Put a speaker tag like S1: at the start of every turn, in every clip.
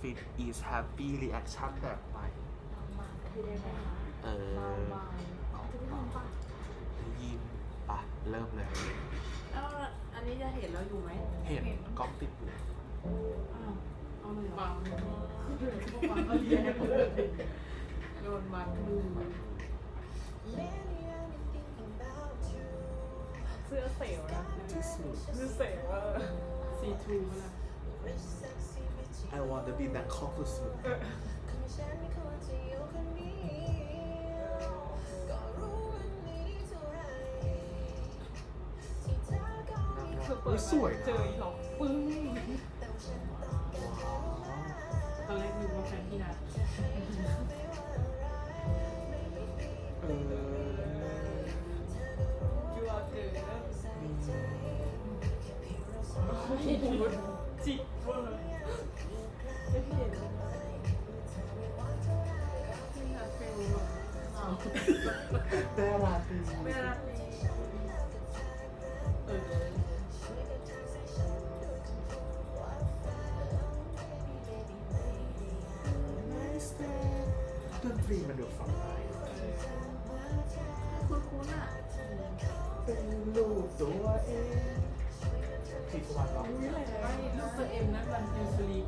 S1: fit is happy reaction แบบใหม่ได้ยินปะเริ่มเลย
S2: แล้วอันนี้จะเห็นเราอยู่ไหม
S1: เห็นกล้องติดอยู่
S2: เอาเลยบังก็เรียนโดนบังดูเสื้อเสียวนะ
S1: ที่สุด
S2: เสื้อเสียวซีทูนะ
S1: I want to be Bangkok สุดๆสวยนะ
S2: เจออีหลอกปึ้งตอนแรกนึกว่าแฟนพี่นัทยูอาเจอจิกเวอร์ไม่เห็นพี่นัทฟิล
S1: แต่ราตรี
S2: ไม่รักเลย
S1: ดนตรีมันดูฟังได้
S2: คุ้นๆอ่ะ
S1: เป็นลูกตัวเองที่สวรรค์ร้อง
S2: นี่อะไรวะลูกตัวเอ็มนะวันยูสลี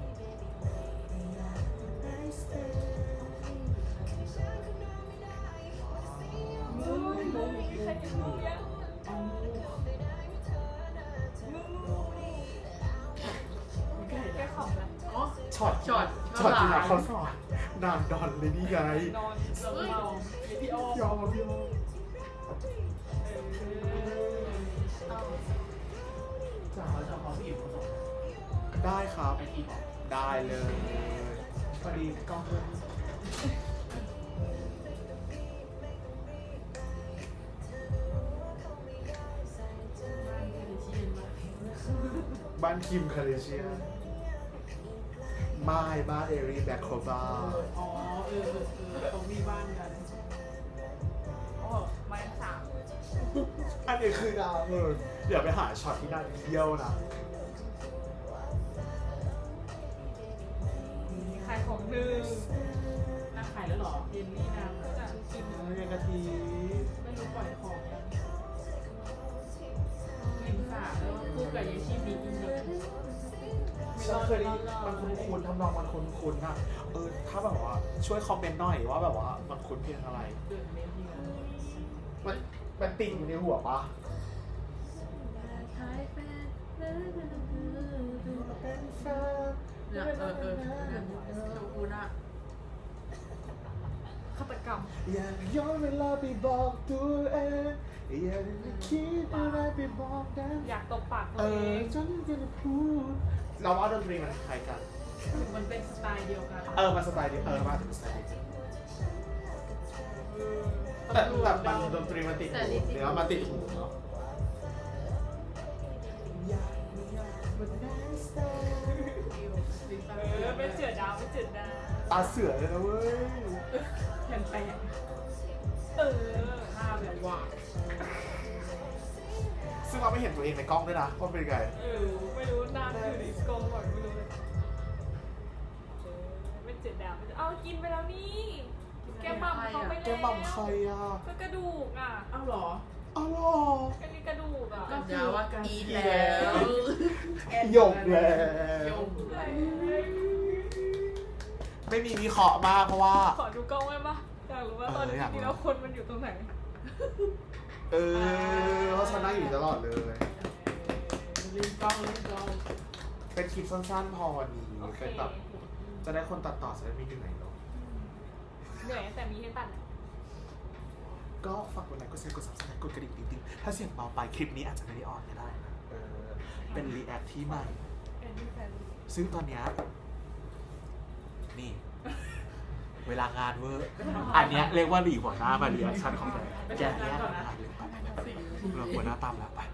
S2: ใครจะรู้ยังแกขำนะอ๋อ
S1: ช็อตที่นักเขาสอนนานดอนเลยนี่ไง
S2: นอนเราพี่อ้อม
S1: ยอมพี่โอจ๋าจะขอพี่อยู่ได้ครับได้เลยพอดีกล้องเลยบ้านคิมคาเดเชียนบ้านเอรีแบ็คโคบา
S2: อ๋อเขามีบ้านกันโอ้มาสาม
S1: อันนี้คือดาวเลยเดี๋ยวไปหาช็อตที่น่าเที่ยวนะ
S2: ขายของหนึ่งนางขายแล้วหรอเยนนี่นางก็จะกิน
S1: เรียนกะทิ
S2: ไม่รู้ปล่อยของยังลิมสาแล้วคู่กับเยชิมีอินเดีย
S1: ฉันเคยได้มันคุ้นๆทำนองมันคุ้นๆนะถ้าแบบว่าช่วยคอมเมนต์หน่อยว่าแบบว่ามันคุ้นเพลงอะไร
S2: เดือนเมษายน
S1: มันติดอยู่ในหัวปะ
S2: เนี่ยโชกุนะฆาตกรรม
S1: อยากย้อนเวลาไปบอกตัวเองอยากจะคิดอะไรไปบอกกัน
S2: อยากตบปากตัวเอง
S1: จนจะพูดเราว่าดนตรีมันคล้ายกัน
S2: มันเป็นสไตล์เดียวกัน
S1: มันสไตล์เดียวมาถึงสไตล์เดียวแต่มันดนตรีมันติดหูเนื้อมันติดหูเนาะ
S2: เป็นเจือดาวเป็นเจือดาว
S1: ตาเสือเลยนะเว้ย
S2: แผ่นแปะหน้าแบบว่า
S1: ซึ่งเราไม่เห็นตัวเองในกล้องด้วยนะว่าเป็นไง
S2: ไม่รู้หน้าคือดิสโก้ก่อนไม่รู้เลยเป็นเจือดาวเอากินไปแล้วนี่แกมัมเขาไปแล้ว
S1: แกบังใครอ่ะ
S2: ก็กระดูกอ่ะ
S3: อ้าวเหรอ
S1: อ้าวเหรอ
S2: ก็นี่กระดูกอ่ะ
S3: ก็คือว่าการ
S2: อี
S3: แล้ว
S1: หยกแล้ว
S3: ยก
S1: ไม่มีวิเคราะห์มากเพราะว่า
S2: ขอดูกล้องไว้ปะอยากรู้ว่าตอนนี้จริงๆแล้วคนมันอยู่ตรงไหน
S1: เพราะฉันนั่งอยู่ตลอดเลย
S3: ลืมกล้อง
S1: เป็นคลิปสั้นๆพอวันนี้เป็นแบบจะได้คนตัดต่อจะได้ไม่เหนื่อยเนาะ
S2: เหนื่อยแต่มีให้ตัด
S1: ก็ฝากกดไลค์กดแชร์กด subscribe กดกระดิ่งติ๊งๆถ้าเสียงเบาไปคลิปนี้อาจจะไม่ได้ออนก็ได้นะเป็นรีแอคที่ใหม่ ซึ่งตอนเนี้ยนี่ เวลางานเวอร์อันเนี้ยเรียกว่าหลีหัวหน้ามารีแอคชั่นของแกเนี่ยงานเลยไปเราหัวหน้าตามแล้วไป